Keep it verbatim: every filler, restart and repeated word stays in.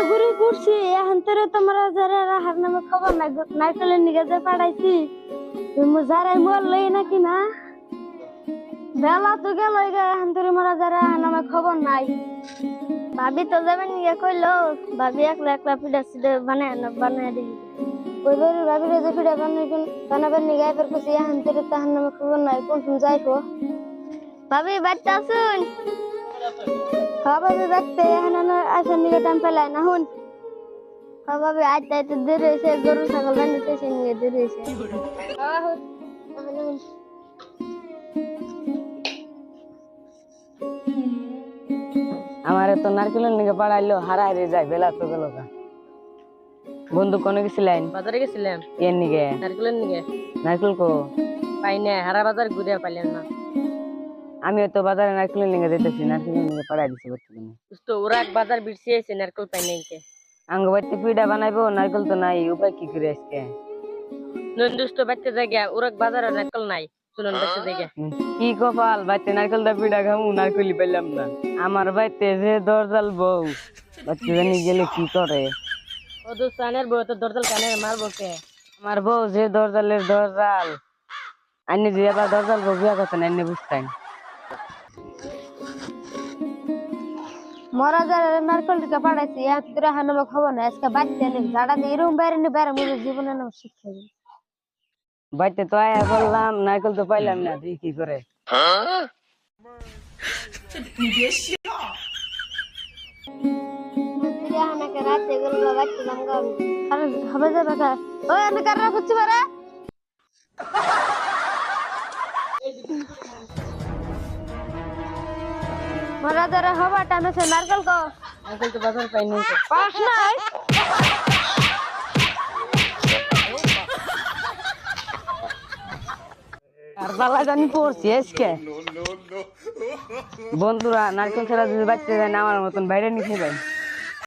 ঘুরি ঘুরছি এখন তোরে তোমরা যারা হার নামে খবর নাই নারকেলের নিগে যে পাঠাইছি তুমি যারাই মরলই নাকি না বেলা তো গেল এখন তোরে মোরা যারা নামে খবর নাই ভাবি তো যাবেন নিগে কইলো ভাবি একলা একলা পিঠা সিটে বানায় না বানায় দিই কইবার ভাবিরে যে পিঠা বানাই বানাবেন নিগে এবার কইছি এখন তোরে তাহার নামে খবর নাই কোন কোন যাইবো ভাবি বাচ্চা শুন ভাবি দেখতে এখন আসেন নিগে টাইম পেলাই না হুন ভাবি আইতে আইতে দেরি হয়েছে গরু ছাগল বান্ধতে এসে নিয়ে দেরি হয়েছে আমারে তো নারকেলের নিকে পাড়াইলো হারা হারিয়ে যায় বেলা তো গেল বন্ধু কোনে গেছিলেন বাজারে গেছিলাম এর নিকে নারকেলের নিকে নারকেল কো পাই না হারা বাজার ঘুরে পাইলেন না আমি তো বাজারে নারকেলের নিকে যেতেছি নারকেলের নিকে পাড়াই দিছি বর্তমানে তো ওরা এক বাজার বিড়ছে এসে নারকেল পাই নাই কে আঙ্গ বাড়িতে পিঠা বানাইবো নারকেল তো নাই উপায় কি করে আজকে নন্দুস তো বাচ্চা জায়গা ওরা এক বাজারে নারকেল নাই চলুন বাচ্চা জায়গা কি কপাল বাচ্চা নারকেলটা পিঠা খামু নারকেলই পাইলাম না আমার বাড়িতে যে দরজাল বউ বাচ্চা জানি গেলে কি করে ও তো সানের বউ তো দরজাল কানে মারবো কে আমার বউ যে দরজালের দরজাল আইনে যে আবার দরজাল বউ বিয়া করতেন আইনে বুঝতেন মরা যারা নারকেল টিকা পাঠাইছি এক তোরা এখন আমার খবর নাই আজকে বাচ্চা নেই যারা দিয়ে এরকম বাইরে নি বাইরে মুখে জীবনে নাম শিক্ষা দিই বাড়িতে তো আয়া বললাম নারকেল তো পাইলাম না তুই কি করে রাতে গেল বাচ্চা জামগা আরে হবে যে বাকা ওই আমি কাররা খুঁজছি বারে মরা যারা হবা টানে সে নারকেল কো নারকেল তো বাজার পাই নাই কে পাস নাই আর বালা জানি পড়ছি আজকে বন্ধুরা নারকেল ছাড়া যদি বাচ্চা যায় না আমার মতন বাইরে নিয়ে যাবেন